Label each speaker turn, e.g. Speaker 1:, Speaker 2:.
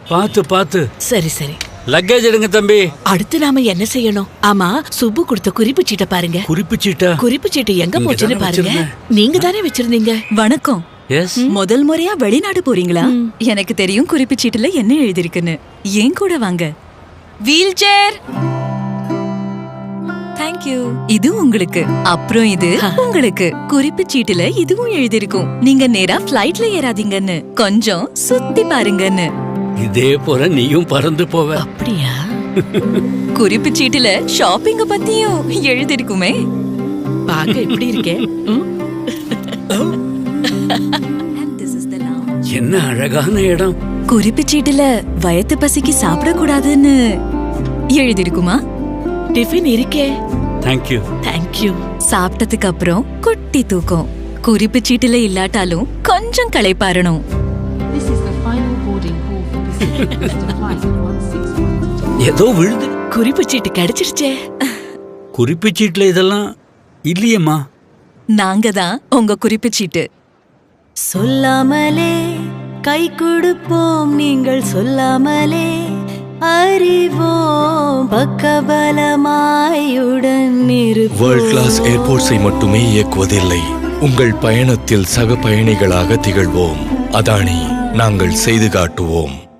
Speaker 1: பாத்து பாத்து.
Speaker 2: சரி சரி.
Speaker 1: லக்கேஜ் எடுங்க தம்பி.
Speaker 2: அடுத்து நாம என்ன செய்யணும்? ஆமா, சுப்பு கொடுத்த குறிப்பு சீட்டை பாருங்க.
Speaker 1: குறிப்பு சீட்டா?
Speaker 2: குறிப்பு சீட்டு எங்க போச்சுன்னு பாருங்க. நீங்க தானே வச்சிருந்தீங்க.
Speaker 3: வணக்கம்.
Speaker 1: எஸ்.
Speaker 3: முதல் முறையா வெளிநாடு போறீங்களா? எனக்கு தெரியும் குறிப்பு சீட்டுல என்ன எழுதிருக்குன்னு. ஏன் கூட வாங்க. Wheelchair. தேங்க்யூ. இது உங்களுக்கு. அப்புறம் இது உங்களுக்கு. குறிப்பு சீட்டுல இதுவும் எழுதிருக்கும். நீங்க நேரா ஃப்ளைட்ல ஏறாதீங்கன்னு, கொஞ்சம் சுத்தி பாருங்கன்னு.
Speaker 1: இதே போல நீயும் பறந்து போவ.
Speaker 2: அப்படியா?
Speaker 3: குறிப்பு சீட்டுல ஷாப்பிங்க பத்தியும் எழுதிருக்குமே.
Speaker 2: பாக்க எப்படி இருக்கே?
Speaker 1: என்ன அழகான இடம்.
Speaker 3: குறிப்பு சீட்டுல வயத்து பசிக்கு சாப்பிட கூடாதுன்னு எழுதிருக்குமா?
Speaker 2: டிஃபன் இருக்கே.
Speaker 1: தேங்க்யூ.
Speaker 2: தேங்க்யூ.
Speaker 3: சாப்பிட்டதுக்கு அப்புறம் குட்டி தூக்கம். குறிப்பு சீட்டுல இல்லாட்டாலும் கொஞ்சம் களைப்பாறணும்.
Speaker 1: ஏதோ விழுது.
Speaker 2: குறிப்பு சீட்டு கிடைச்சிருச்சே.
Speaker 1: குறிப்பு சீட்டுல இதெல்லாம் இல்லையம்மா.
Speaker 3: நாங்க தான் உங்க குறிப்பு சீட்டு.
Speaker 4: சொல்லாமலே கை கொடுப்போம், நீங்கள் சொல்லாமலே அறிவோம், பக்கபலமாயுடன் இருப்போம்.
Speaker 5: வேர்ல்ட் கிளாஸ் ஏர்போர்ட்ஸை மட்டுமே இயக்குவதில்லை, உங்கள் பயணத்தில் சக பயணிகளாக திகழ்வோம். அதானி, நாங்கள் செய்து காட்டுவோம்.